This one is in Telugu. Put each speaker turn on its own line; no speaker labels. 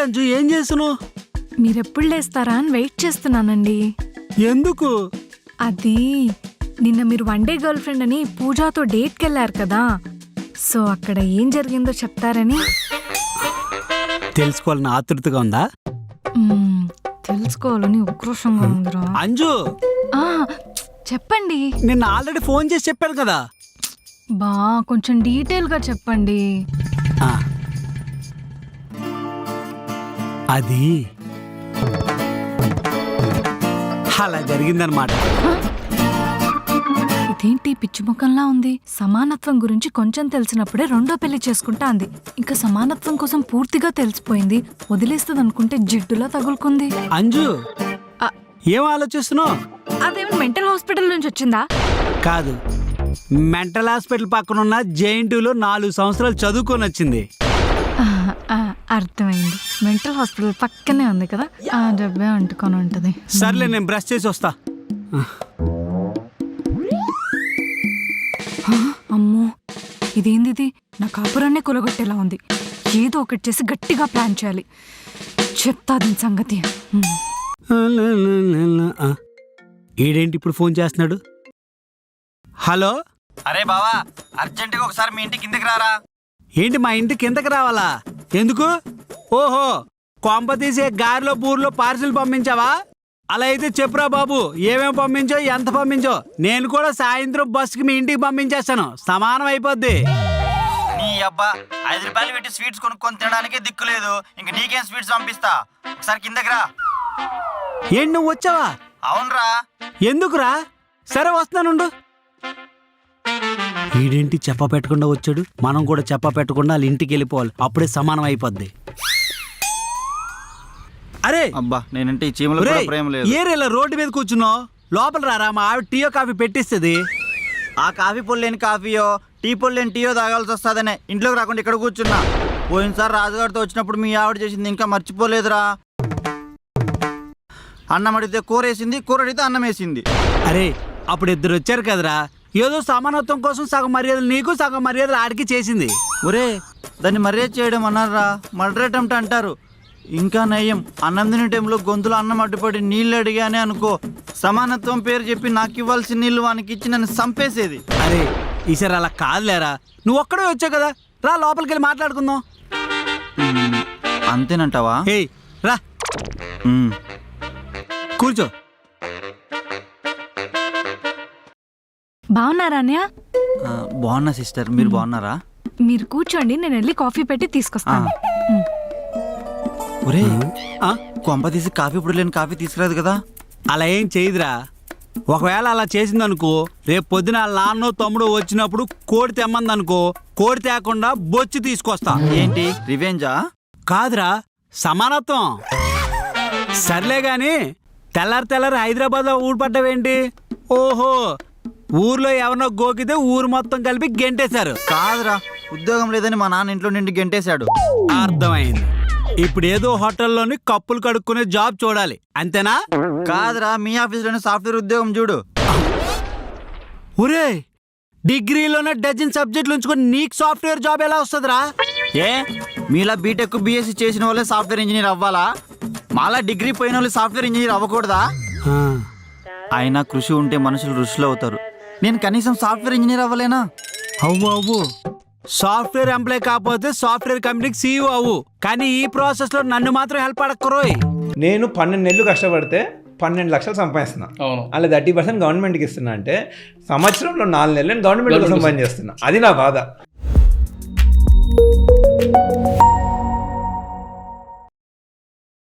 అంజు ఏం చేస్తున్నావు?
మీరెప్పుడు లేస్తారా అని వెయిట్ చేస్తున్నానండి.
ఎందుకు?
అది నిన్న మీరు వన్ డే గర్ల్ ఫ్రెండ్ అని పూజాతో డేట్కి వెళ్ళారు కదా, సో అక్కడ ఏం జరిగిందో చెప్తారని.
తెలుసుకోవాలని ఆతృతగా ఉందా?
తెలుసుకోవాలని ఉక్రోషంగా ఉందిరా.
అంజు
చెప్పండి.
నిన్న ఆల్రెడీ ఫోన్ చేసి చెప్పాను కదా.
బా కొంచెం డీటెయిల్గా చెప్పండి.
అది అలా జరిగిందనమాట.
ఇదేంటి పిచ్చి ముఖంలా ఉంది? సమానత్వం గురించి కొంచెం తెలిసినప్పుడే రెండో పెళ్లి చేసుకుంటా అంది. ఇంకా సమానత్వం కోసం పూర్తిగా తెలిసిపోయింది. వదిలేస్తుంది అనుకుంటే జిడ్డులా తగులుకుంది.
అంజు ఏం ఆలోచిస్తున్నావు?
అదేమో మెంటల్ హాస్పిటల్ నుంచి వచ్చిందా?
కాదు, మెంటల్ హాస్పిటల్ పక్కన ఉన్న జేఎన్టీయూలో 4 సంవత్సరాలు చదువుకొని వచ్చింది.
అర్థమైంది. మెంటల్ హాస్పిటల్ పక్కనే ఉంది కదా, ఆ డబ్బే అంటుకొని ఉంటది.
సర్లే, నేను బ్రష్ చేసి వస్తా.
అమ్మో, ఇదేంది ఇది? నా కాపురాన్నే కొలగొట్టేలా ఉంది. ఏదో ఒకటి చేసి గట్టిగా ప్లాన్ చేయాలి. చెప్తా దీని సంగతి.
ఈడేంటి ఇప్పుడు ఫోన్ చేస్తున్నాడు? హలో.
అరే బావా, అర్జెంటుగా ఒకసారి మీ ఇంటి కిందకి రారా.
ఏంటి మా ఇంటి కిందకి రావాలా? ఎందుకు? ఓహో, కొంప తీసే గారిలో బూర్లో పార్సిల్ పంపించావా? అలా అయితే చెప్పురా బాబు, ఏమేమి పంపించో, ఎంత పంపించో. నేను కూడా సాయంత్రం బస్సుకి మీ ఇంటికి పంపించేస్తాను, సమానం అయిపోద్ది.
నీ అబ్బా, 5 రూపాయలు పెట్టి స్వీట్స్ కొనుక్కొని తినడానికే దిక్కు లేదు, ఇంక నీకేం స్వీట్స్ పంపిస్తా. ఒకసారి కిందకి రా.
ఏంటి నువ్వు వచ్చావా?
అవునరా.
ఎందుకురా? సరే వస్తున్నానుండు. వీడేంటి చెప్ప పెట్టకుండా వచ్చాడు? మనం కూడా చెప్ప పెట్టకుండా వాళ్ళ ఇంటికి వెళ్ళిపోవాలి, అప్పుడే సమానం అయిపోద్ది. అరే
అబ్బా, నేనంటే ఈ చీమలో కూడా ప్రేమ లేదు.
ఏరేలా రోడ్డు మీద కూర్చున్నావు? లోపల రారా, మా ఆవిడ టీయో కాఫీ పెట్టిస్తుంది.
ఆ కాఫీ పొడి లేని కాఫీయో, టీ పొడి లేని టీయో తాగాల్సి వస్తుందనే ఇంట్లోకి రాకుండా ఇక్కడ కూర్చున్నా. పోయినసారి రాజుగారితో వచ్చినప్పుడు మీ ఆవిడ చేసింది ఇంకా మర్చిపోలేదురా. అన్నం అడిగితే కూర వేసింది, కూర అడిగితే అన్నం వేసింది.
అరే అప్పుడు 2 వచ్చారు కదరా, ఏదో సమానత్వం కోసం సగం మర్యాదలు నీకు, సగం మర్యాదలు ఆడికి చేసింది.
ఒరే, దాన్ని మర్యాద చేయడం అన్నారా, మర్డర్ అటెంప్ట్ అంటారు. ఇంకా నయ్యం, అన్నం తినే టైంలో గొంతులో అన్నం అడ్డుపడి నీళ్ళు అడిగానే అనుకో, సమానత్వం పేరు చెప్పి నాకు ఇవ్వాల్సిన నీళ్ళు వానికి ఇచ్చి నన్ను చంపేసేది.
అరే ఈసారి అలా కాదులేరా, నువ్వు ఒక్కడే వచ్చావు కదా, రా లోపలికి వెళ్ళి మాట్లాడుకుందాం.
అంతేనంటావా?
ఏయ్ రా, కూర్చో.
బాగున్నారా అన్నయ్య?
బాగున్నా సిస్టర్, మీరు బాగున్నారా?
మీరు కూర్చోండి, నేను వెళ్ళి కాఫీ పెట్టి తీసుకొస్తాను.
ఒరే, కొంప తీసి కాఫీ పొడి లేని కాఫీ తీసుకురాదు కదా?
అలా ఏం చేయదురా. ఒకవేళ అలా చేసిందనుకో, రేపు పొద్దున నాన్నో తమ్ముడు వచ్చినప్పుడు కోడి తెమ్మందనుకో, కోడి తేకుండా బొచ్చి తీసుకొస్తా.
ఏంటి రివెంజా?
కాదురా, సమానత్వం. సర్లే గాని తెల్లారి హైదరాబాద్ లో ఊడిపడ్డావేంటి? ఓహో, ఊర్లో ఎవరినో గోకితే ఊరు మొత్తం కలిపి గెంటేశారు.
కాదురా, ఉద్యోగం లేదని మా నాన్న ఇంట్లో నుండి గెంటేశాడు.
అర్థమైంది. ఇప్పుడు ఏదో హోటల్లోని కప్పులు కడుక్కునే జాబ్ చూడాలి, అంతేనా?
కాదురా, మీ ఆఫీస్లోనే సాఫ్ట్వేర్ ఉద్యోగం చూడు.
ఒరే, డిగ్రీలోనే డజన్ సబ్జెక్టులు ఉంచుకొని నీకు సాఫ్ట్వేర్ జాబ్ ఎలా వస్తుందిరా?
ఏ, మీలా బీటెక్ బీఎస్సీ చేసిన వాళ్ళే సాఫ్ట్వేర్ ఇంజనీర్ అవ్వాలా? మాలా డిగ్రీ పోయిన వాళ్ళు సాఫ్ట్వేర్ ఇంజనీర్ అవ్వకూడదా? అయినా కృషి ఉంటే మనుషులు ఋషులు అవుతారు. నేను కనీసం సాఫ్ట్వేర్ ఇంజనీర్ అవ్వలేనా?
అవ్వు. సాఫ్ట్వేర్ ఎంప్లాయ్ కాకపోతే సాఫ్ట్వేర్ కంపెనీకి CEO అవ్వు, కానీ ఈ ప్రాసెస్ లో నన్ను మాత్రం హెల్ప్ అడక్కరోయ్.
నేను 12 నెలలు కష్టపడితే 12 లక్షలు సంపాదిస్తున్నా. అలా 30% గవర్నమెంట్కి ఇస్తున్నా అంటే సంవత్సరంలో 4 నెలలు నేను గవర్నమెంట్ కోసం పని చేస్తున్నా. అది నా బాధ.